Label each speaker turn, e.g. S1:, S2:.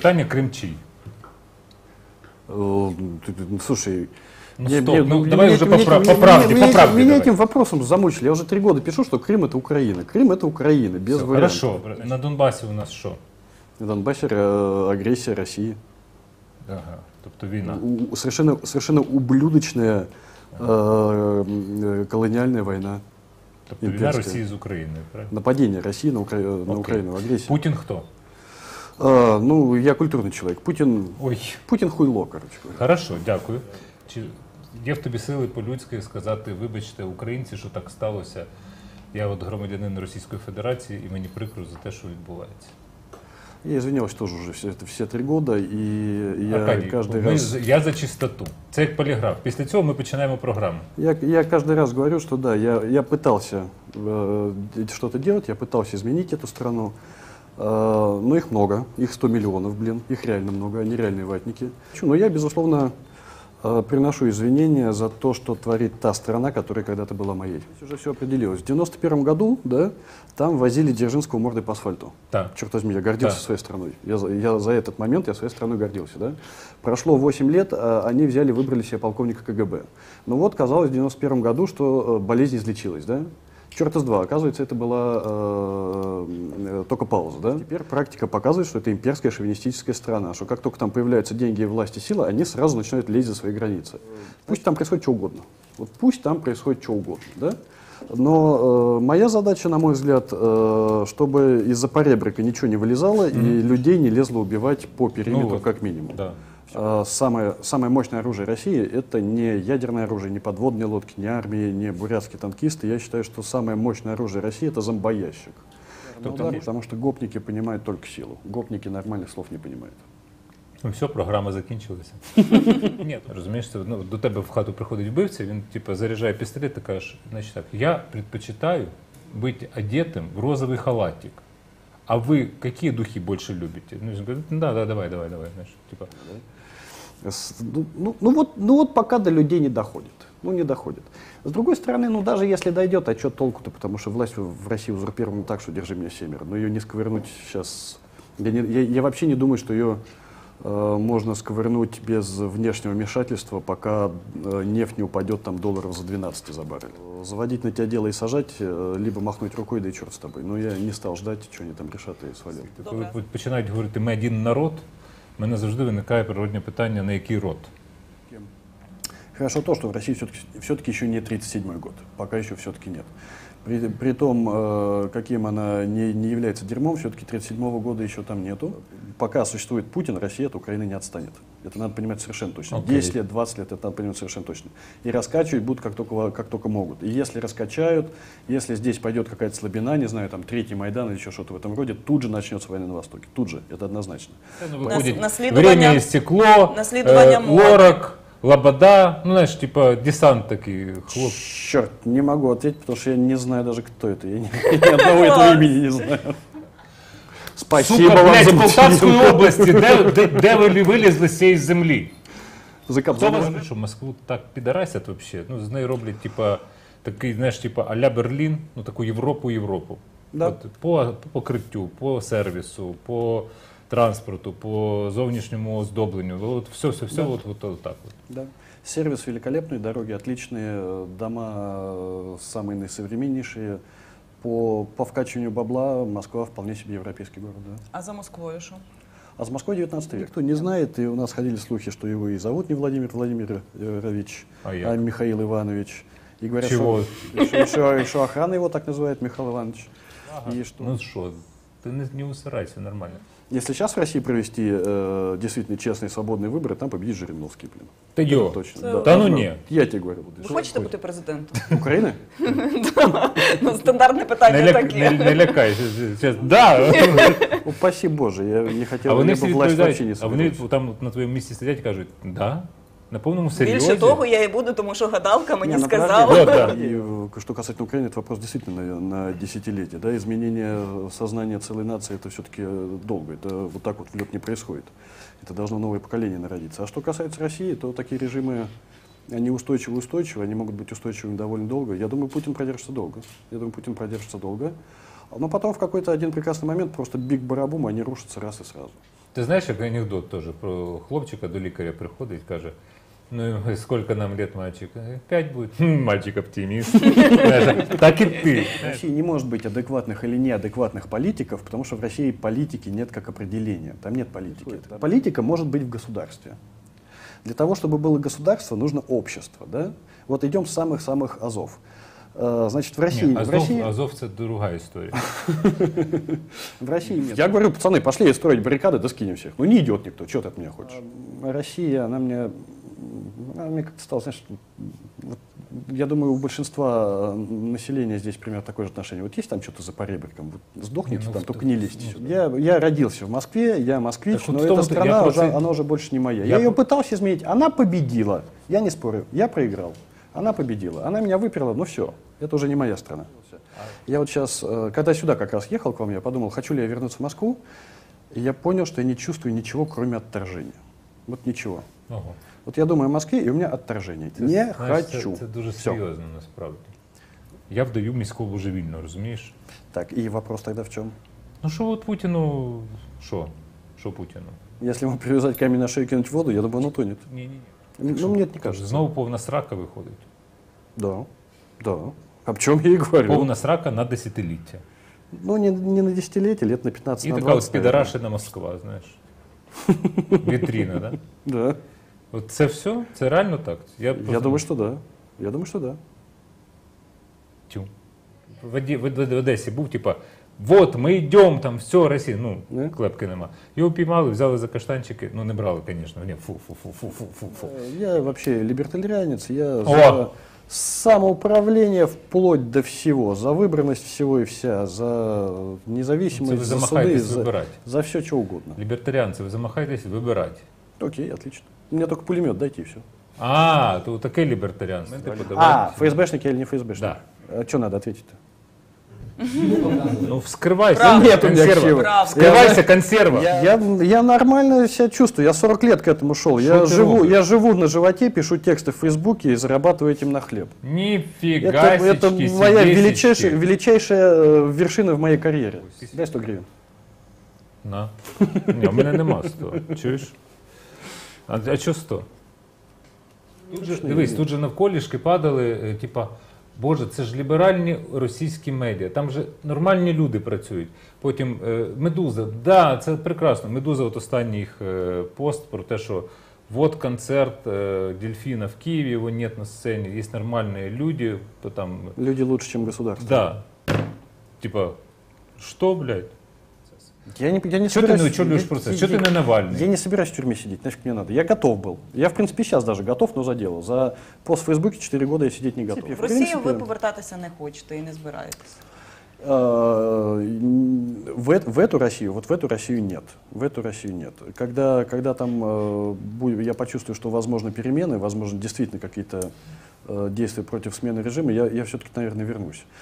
S1: питання, Крим чий?
S2: Слушай,
S1: давай уже по правде.
S2: Меня этим вопросом замучили. Я уже 3 года пишу, что Крым это Украина. Крым это Украина, без вариантов.
S1: Хорошо. На Донбасі у нас що?
S2: На Донбассе агрессия России.
S1: Ага, тобто війна.
S2: Совершенно ублюдочная колониальная война.
S1: Тобто війна Росії з Україною, правильно?
S2: Нападение России на Украину, агрессия.
S1: Путін хто?
S2: Ну, я культурный человек. Путін хуйло, короче говоря.
S1: Хорошо, дякую. Чи є в тобі сили по-людськи сказати, вибачте, українці, що так сталося, я от громадянин Російської Федерації і мені прикро за те, що відбувається?
S2: Я извинялся тоже уже все 3 года, и я
S1: Аркадій,
S2: каждый раз...
S1: Я за чистоту. Це як поліграф. Після цього ми починаємо програму.
S2: Я каждый раз говорю, что да, я пытался что-то делать, я пытался изменить эту страну, но их много, их 100 миллионов, блин, их реально много, они реальные ватники. Но я, безусловно, приношу извинения за то, что творит та страна, которая когда-то была моей. Здесь уже все определилось. В 91 году, да, там возили Дзержинского мордой по асфальту.
S1: Да.
S2: Черт возьми, я гордился своей страной. Я за этот момент своей страной гордился. Да? Прошло 8 лет, они взяли, выбрали себе полковника КГБ. Ну вот, казалось, в 91 году, что болезнь излечилась, да? Черт из два. Оказывается, это была только пауза. Да? Теперь практика показывает, что это имперская шовинистическая страна, что как только там появляются деньги, власть и сила, они сразу начинают лезть за свои границы. Пусть там происходит что угодно. Вот пусть там происходит что угодно. Да? Но моя задача, на мой взгляд, чтобы из-за поребрика ничего не вылезало и людей не лезло убивать по периметру, как минимум. Да. Самое мощное оружие России — это не ядерное оружие, не подводные лодки, не армии, не бурятские танкисты. Я считаю, что самое мощное оружие России — это зомбоящик. Потому что гопники понимают только силу. Гопники нормальных слов не понимают.
S1: Ну все, програма закінчилася. Ні, розумієш, до тебе в хату приходить вбивця, він типу заряджає пістолет і каже, значить так, я предпочитаю бути одетим в розовий халатик. А вы какие духи больше любите? Ну, говорит, да, давай, знаешь, типа.
S2: Ну вот пока до людей не доходит. Ну, не доходит. С другой стороны, ну даже если дойдет, а что толку-то? Потому что власть в России узурпирована так, что держи меня семеро. Но ее не сковырнуть сейчас... Я вообще не думаю, что ее можно сковырнуть без внешнего вмешательства, пока нефть не упадет там долларов за 12 за баррель. Заводить на тебя дело и сажать, либо махнуть рукой, да и черт с тобой. Но я не стал ждать, что они там решат і свалять.
S1: Коли починають говорити «ми один народ», в мене завжди виникає природне питання, на який род?
S2: Хорошо то, что в России все-таки еще не 37-й год. Пока еще все-таки нет. При том, каким она не является дерьмом, все-таки 37-го года еще там нету. Пока существует Путин, Россия от Украины не отстанет. Это надо понимать совершенно точно. 10 лет, 20 лет, это надо понимать совершенно точно. И раскачивать будут как только могут. И если раскачают, если здесь пойдет какая-то слабина, не знаю, там Третий Майдан или еще что-то в этом роде, тут же начнется война на Востоке. Тут же, это однозначно.
S1: Время истекло, Лорак, Лобода, ну, знаешь, типа десант такие, хлоп.
S2: Черт, не могу ответить, потому что я не знаю даже, кто это. Я ни одного этого имени не знаю. Спасибо
S1: вам,
S2: блядь,
S1: за в Полтавській області, де ви вилізли з цієї землі? Хто вас, що Москву так підарасять взагалі? Ну, з нею роблять, типа, такий, знаєш, типа, а-ля Берлін, ну, таку Європу.
S2: Да.
S1: От, по покриттю, по сервісу, по транспорту, по зовнішньому оздобленню. Вот все, да. вот так вот.
S2: Да. Сервис великолепный, дороги отличные, дома самые наисовременнейшие. По вкачиванию бабла Москва вполне себе европейский город. Да.
S3: А за Москвой что?
S2: А за Москвой 19 век. Кто не знает, и у нас ходили слухи, что его и зовут не Владимир Владимирович, а Михаил Иванович. И говорят, что охрана его так называет, Михаил Иванович.
S1: Ага. И что? Ну что, ты не усирайся, нормально.
S2: Если сейчас в России провести действительно честные свободные выборы, там победит Жириновский, блин.
S1: Ты ё?
S2: Точно.
S1: Да ну ні.
S2: Я тебе говорю.
S3: Ви хочете бути президентом?
S2: України?
S3: Ну, стандартне питання таке.
S1: Не лякайся. Да.
S2: Упаси Боже, я не хотів,
S1: а вони всі
S2: відповідають,
S1: а вони там на твоєму місці сидять і кажуть, да? На повному серйозі?
S3: Більше того, я і буду, тому що гадалка мені сказала.
S1: Да.
S2: И, что касательно Украины, это вопрос действительно на десятилетия. Да? Изменение сознания целой нации — это все-таки долго. Это вот так вот в лед не происходит. Это должно новое поколение народиться. А что касается России, то такие режимы, они устойчивы, они могут быть устойчивыми довольно долго. Я думаю, Путин продержится долго. Но потом в какой-то один прекрасный момент просто биг-барабум, они рушатся раз и сразу.
S1: Ти знаєш, як анекдот теж про хлопчика до лікаря приходить, каже, ну сколько нам лет, мальчик? 5 будет. Мальчик оптимист. Так и ты.
S2: В России не может быть адекватных или неадекватных политиков, потому что в России политики нет как определения. Там нет политики. Политика может быть в государстве. Для того, чтобы было государство, нужно общество. Да? Вот идем с самых-самых азов. Значит, в России...
S1: Ні,
S2: в России...
S1: Азов це друга історія.
S2: В России нет. Я говорю, пацаны, пошли строить баррикады, да скинем всех. Ну не идет никто, что ты от меня хочешь? Россия, она мне как-то стала, знаешь, вот, я думаю, у большинства населения здесь примерно такое же отношение. Вот есть там что-то за поребриком, вот сдохните там, только не лезьте сюда. Я родился в Москве, я москвич,
S1: Так вот
S2: но
S1: в том-то
S2: эта страна,
S1: я
S2: уже, она уже больше не моя. Я ее пытался изменить, она победила. Я не спорю, я проиграл. Она победила, она меня выперла, ну все, это уже не моя страна. Я вот сейчас, когда сюда как раз ехал к вам, я подумал, хочу ли я вернуться в Москву, и я понял, что я не чувствую ничего, кроме отторжения. Вот ничего.
S1: Ого.
S2: Вот я думаю о Москве, и у меня отторжение.
S1: Це,
S2: Не
S1: знаєш,
S2: хочу.
S1: Це дуже
S2: Всё.
S1: серйозно насправді. Я вдаю міського божевільно, розумієш?
S2: Так, и вопрос тогда в чем?
S1: Ну що от Путіну, що? Що Путіну?
S2: Если ему привязать камень на шею и кинуть в воду, я думаю, он утонет.
S1: Ні-ні-ні.
S2: Ну, мне это не кажется.
S1: Знову повна срака виходить.
S2: Да, да. Об чем я и говорю.
S1: Повна срака на десятиліття.
S2: Ну, не на десятилетие, лет на 15,
S1: І
S2: на
S1: така
S2: 20.
S1: от підарашена Москва, знаєш. Вітріна, да?
S2: Да.
S1: От це все? Це реально так?
S2: Я думаю, что да. Я думаю, что да.
S1: Тю. В Одесі був, типа, вот, ми йдемо, там, все, Росія, ну,
S2: Не?
S1: клепки нема. Його піймали, взяли за каштанчики, ну, не брали, звісно, ні, фу.
S2: Я вообще либертарианец, я
S1: О!
S2: за самоуправление вплоть до всего, за выбранность всего и вся, за
S1: Це
S2: независимость,
S1: ви
S2: за суды,
S1: замахаєтесь
S2: за,
S1: вибирати.
S2: за все, что угодно.
S1: Лібертаріанці, ви замахаєтесь вибирати.
S2: Окей, отлично. Мне только пулемет дайте и все.
S1: А, то таке лібертаріанство.
S2: ФСБшники или не ФСБшники?
S1: Да.
S2: А что надо ответить-то?
S1: Ну, вскривайся,
S3: Правда.
S2: Нет у меня
S1: консерва.
S2: силы.
S3: Правда.
S1: Вскривайся, консерва.
S2: Я нормально себя чувствую, я 40 лет к этому шел. Я живу на животе, пишу тексты в Фейсбуке и зарабатываю этим на хлеб.
S1: Ніфіга
S2: Это
S1: січки,
S2: моя
S1: сідесічки.
S2: величайшая вершина в моей карьере. Дай 100 гривен.
S1: На. Ні, у мене нема 100. Чуєш? А що 100? Дивись, тут же навколішки падали, типа, боже, це ж ліберальні російські медіа, там же нормальні люди працюють. Потім Медуза, да, це прекрасно. Медуза, от останній їх пост про те, що вот концерт Дельфина в Киеве, его нет на сцене, есть нормальные люди, то там...
S2: Люди лучше, чем государство.
S1: Да. Типа, что, блядь?
S2: Я не
S1: Что ты
S2: собираюсь-
S1: не учебляешь
S2: я-
S1: процесс?
S2: я-
S1: Что ты не Навальный?
S2: Я не собираюсь в тюрьме сидеть, нафиг мне надо. Я готов был. Я, в принципе, сейчас даже готов, но за дело. За пост в Фейсбуке 4 года я сидеть не готов.
S3: В Росію ви повертатися не хочете і не збираєтесь.
S2: В эту Россию, вот в эту Россию нет. В эту Россию нет. Когда там я почувствую, что возможны перемены, возможно, действительно какие-то действия против смены режима, я все-таки, наверное, вернусь.